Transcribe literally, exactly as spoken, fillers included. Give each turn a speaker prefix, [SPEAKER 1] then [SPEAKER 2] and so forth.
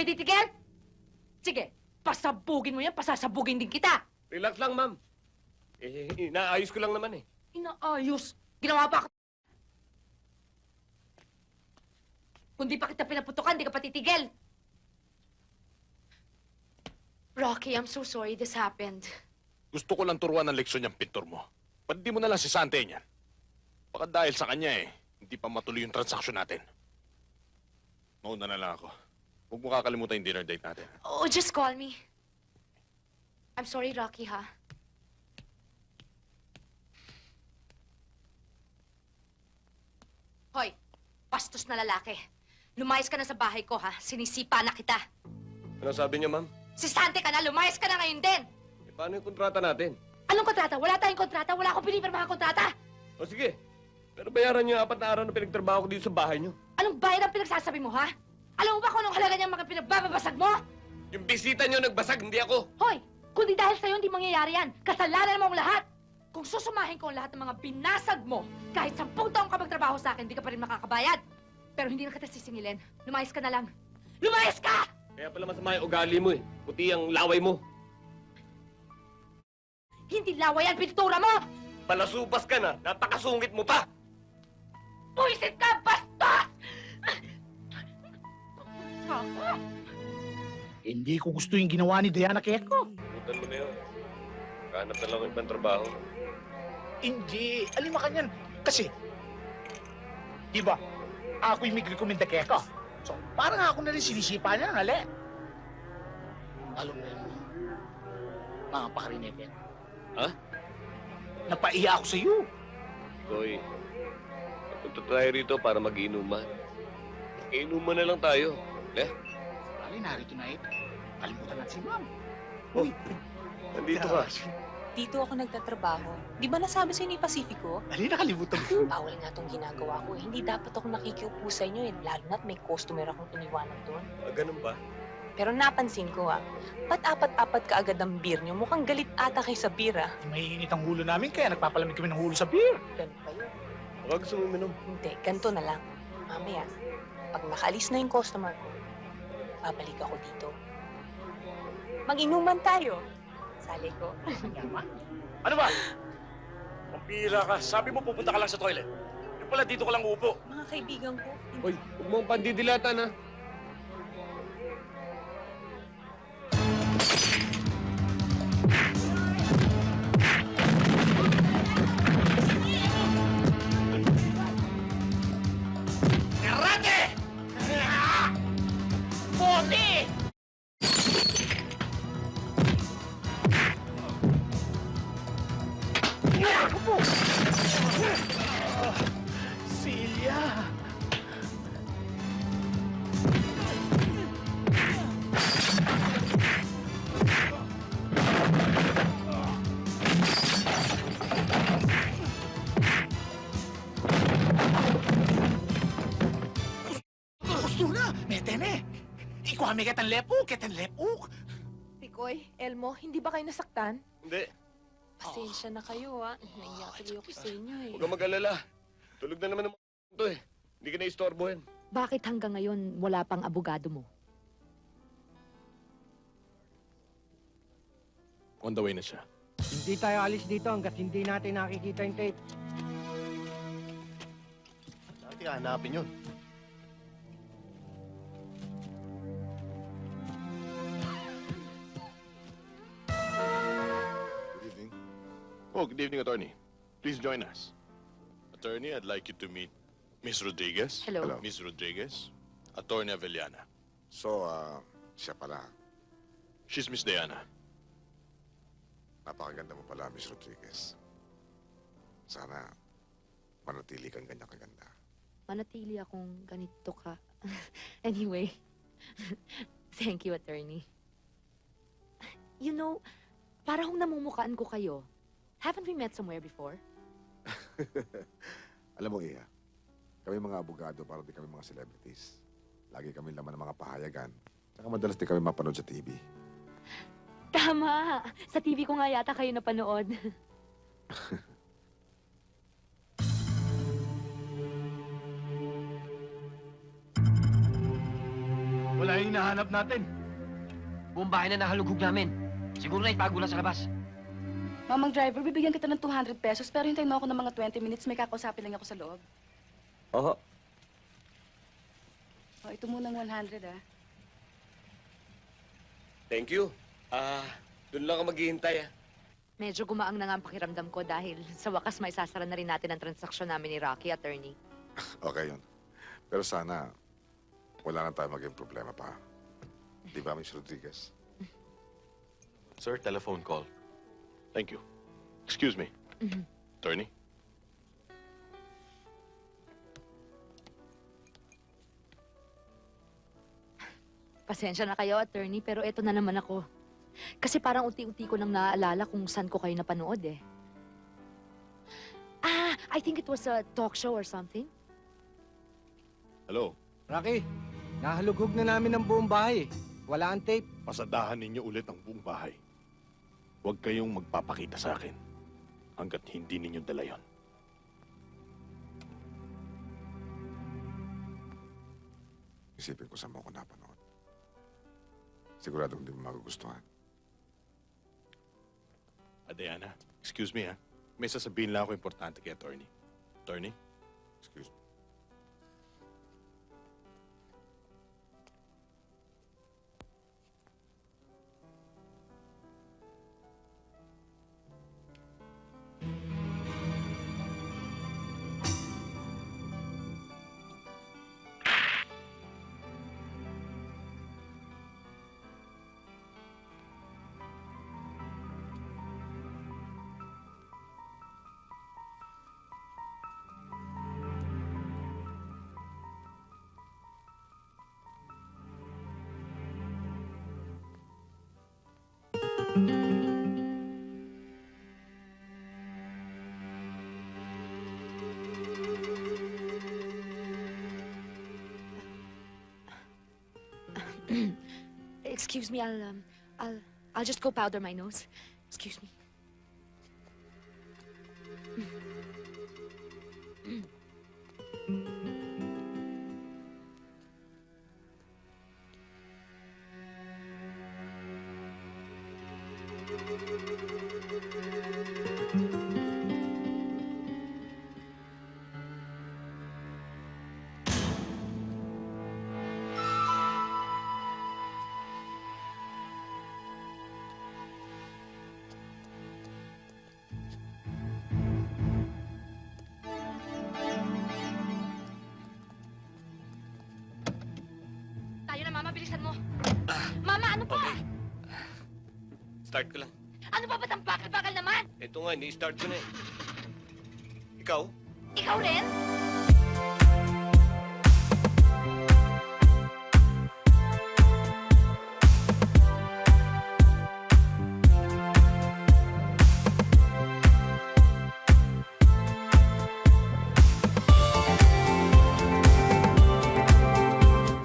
[SPEAKER 1] pa ititigil? Sige, pasabugin mo yan, pasasabugin din kita.
[SPEAKER 2] Relax lang, ma'am. Eh, inaayos ko lang naman eh.
[SPEAKER 1] Inaayos. Ginawa pa ako. Kung di pa kita pinaputukan, di ka pa titigil. Rocky, I'm so sorry this happened.
[SPEAKER 3] Gusto ko lang turuan ng leksyon yung pintor mo. Ba't di mo na lang si Sante niyan? Baka dahil sa kanya eh, hindi pa matuloy yung transaksyon natin. Mauna na lang ako. Huwag mo kakalimutan yung dinner date natin.
[SPEAKER 1] Oh, just call me. I'm sorry, Rocky, ha? Hoy, bastos na lalaki. Lumayas ka na sa bahay ko, ha? Sinisipa na kita.
[SPEAKER 2] Ano sabi niya, ma'am?
[SPEAKER 1] Sistante ka na, lumayas ka na ngayon din.
[SPEAKER 2] Eh, paano yung kontrata natin?
[SPEAKER 1] Anong kontrata? Wala tayong kontrata. Wala akong pinipirmahan kontrata.
[SPEAKER 2] O sige, pero bayaran niyo yung apat na araw na pinagtrabaho ko dito sa bahay niyo.
[SPEAKER 1] Anong bayad ang pinagsasabi mo, ha? Alam mo ba kung anong halaga niyang mga pinagbababasag mo?
[SPEAKER 2] Yung bisita niyo nagbasag, hindi ako.
[SPEAKER 1] Hoy, kundi dahil sa'yo hindi mangyayari yan. Kasalanan mo ang lahat. Kung susumahin ko ang lahat ng mga binasag mo, kahit sampung taong ka magtrabaho sa akin, hindi ka pa rin makakabayad. Pero hindi na kita sisingilin. Lumayas ka na lang. Lumayas ka!
[SPEAKER 2] Kaya pala masama yung ugali mo eh. Puti ang laway mo.
[SPEAKER 1] Hindi laway ang pintura mo!
[SPEAKER 2] Palasupas ka na, napakasungit mo pa!
[SPEAKER 1] Puisit ka, bastos!
[SPEAKER 4] Hindi ko gusto yung ginawa ni Diana Keko.
[SPEAKER 2] Butan mo na yun. Kahanap na lang ng ibang trabaho.
[SPEAKER 4] Hindi. Alima ka niyan. Kasi, di ba, ako yung may rekomenda Keko. So, parang ako na rin sinisipa niya ng hali. Alam mo yun, mga pakarinete.
[SPEAKER 2] Ha?
[SPEAKER 4] Napaiya ako sa iyo.
[SPEAKER 2] Koy, punta tayo rito para mag-inuman. Mag-inuman na lang tayo. Le?
[SPEAKER 4] Bali, narito na ito. Kalimutan natin si Ma'am.
[SPEAKER 2] Oh, nandito ka.
[SPEAKER 5] Dito ako nagtatrabaho. Di ba nasabi sa'yo ni Pacifico?
[SPEAKER 4] Bali, nakalimutan ko.
[SPEAKER 5] Bawal nga tong ginagawa ko. Eh. Hindi dapat ako nakikiupo sa inyo eh. Lalo na't may customer akong iniwanan doon.
[SPEAKER 2] Ah, ganun ba?
[SPEAKER 5] Pero napansin ko ah, ba't apat-apat ka agad ang beer nyo? Mukhang galit ata kay sa beer ah.
[SPEAKER 4] Mainit ang hulo namin kaya nagpapalamig kami ng hulo sa beer.
[SPEAKER 5] Ganun pa yun.
[SPEAKER 2] Baka gusto mo uminom.
[SPEAKER 5] Hindi, ganito na lang. Mamaya, pag nakaalis na yung customer ko, babalik ako dito. Mag-inuman tayo. Sali ko.
[SPEAKER 4] Yaman.
[SPEAKER 6] Ano ba? Pampira ka. Sabi mo pupunta ka lang sa toilet. Yung pala dito ka lang uupo.
[SPEAKER 5] Mga kaibigan ko,
[SPEAKER 2] Hoy, huwag mong pandidilatan ha.
[SPEAKER 4] Karate! Bote! Celia! Gusto na! Metene! Ikaw kami kitang lepuk, kitang lepuk!
[SPEAKER 7] Tikoy, Elmo, hindi ba kayo nasaktan?
[SPEAKER 2] Hindi,
[SPEAKER 5] pasensya na kayo ah. Naiyak tuloy ako sa inyo eh.
[SPEAKER 2] huwag kang mag-alala. Tulog na naman ng mga to eh. Hindi ka na-istorbohin.
[SPEAKER 1] Bakit hanggang ngayon wala pang abogado mo?
[SPEAKER 3] On the way na siya.
[SPEAKER 8] Hindi tayo alis dito hanggat hindi natin nakikita yung tape.
[SPEAKER 6] Dati hanapin yun.
[SPEAKER 3] Good evening. Oh, good evening, attorney. Please join us. Attorney, I'd like you to meet Miss Rodriguez.
[SPEAKER 1] Hello. Hello.
[SPEAKER 3] Miss Rodriguez. Attorney Avellana.
[SPEAKER 9] So, ah, siya pala.
[SPEAKER 3] She's Miss Diana.
[SPEAKER 9] Napakaganda mo pala, Miss Rodriguez. Sana manatili kang ganyan kaganda.
[SPEAKER 1] Manatili akong ganito ka. Anyway, thank you, attorney. You know, parang namumukaan ko kayo. Haven't we met somewhere before?
[SPEAKER 9] Alam mo, Iha, kami mga abogado para di kami mga celebrities. Lagi kami laman ng mga pahayagan. Tsaka madalas di kami mapanood sa T V.
[SPEAKER 1] Tama! Sa T V ko nga yata kayo napanood.
[SPEAKER 4] Wala
[SPEAKER 6] pala yung hinahanap natin.
[SPEAKER 8] Buong bahay na nahalughog namin. Siguro na itago lang sa labas.
[SPEAKER 5] Mamang driver, bibigyan kita ng two hundred pesos pero hintayin mo ako ng mga twenty minutes. May kakausapin lang ako sa loob.
[SPEAKER 2] Oo.
[SPEAKER 5] O, ito munang one hundred, ah.
[SPEAKER 2] Thank you. Ah, doon lang ako maghihintay, ah.
[SPEAKER 1] Medyo gumaang na nga ang pakiramdam ko dahil sa wakas may sasara na rin natin ang transaksyon namin ni Rocky, attorney.
[SPEAKER 9] Okay yun. Pero sana, wala na tayo maging problema pa. Di ba, Miss Rodriguez?
[SPEAKER 3] Sir, telephone call. Thank you. Excuse me.
[SPEAKER 1] Mhm.
[SPEAKER 3] Attorney?
[SPEAKER 1] Pasensya na kayo, attorney, pero eto na naman ako. Kasi parang unti-unti ko nang naaalala kung saan ko kayo napanood eh. Ah, I think it was a talk show or something.
[SPEAKER 3] Hello?
[SPEAKER 8] Rocky, nahalughog na namin ang buong bahay. Wala ang tape.
[SPEAKER 3] Pasadahan ninyo ulit ang buong bahay. Huwag kayong magpapakita sa akin hanggat hindi ninyo dala yon.
[SPEAKER 9] Isipin ko sa mo ko napanood. Sigurado hindi mo magugustuhan.
[SPEAKER 3] Adriana, excuse me ha. May sasabihin lang ako importante kay attorney. Attorney?
[SPEAKER 9] Excuse me.
[SPEAKER 1] Excuse me, I'll, um, I'll, I'll just go powder my nose. Excuse me. Tayo na, Mama. Bilisan mo. Mama, ano pa?
[SPEAKER 2] Okay. Start ko lang.
[SPEAKER 1] Ano pa ba't ang bakal-bakal naman?
[SPEAKER 2] Ito nga, ni-start ko na eh. Ikaw?
[SPEAKER 1] Ikaw rin?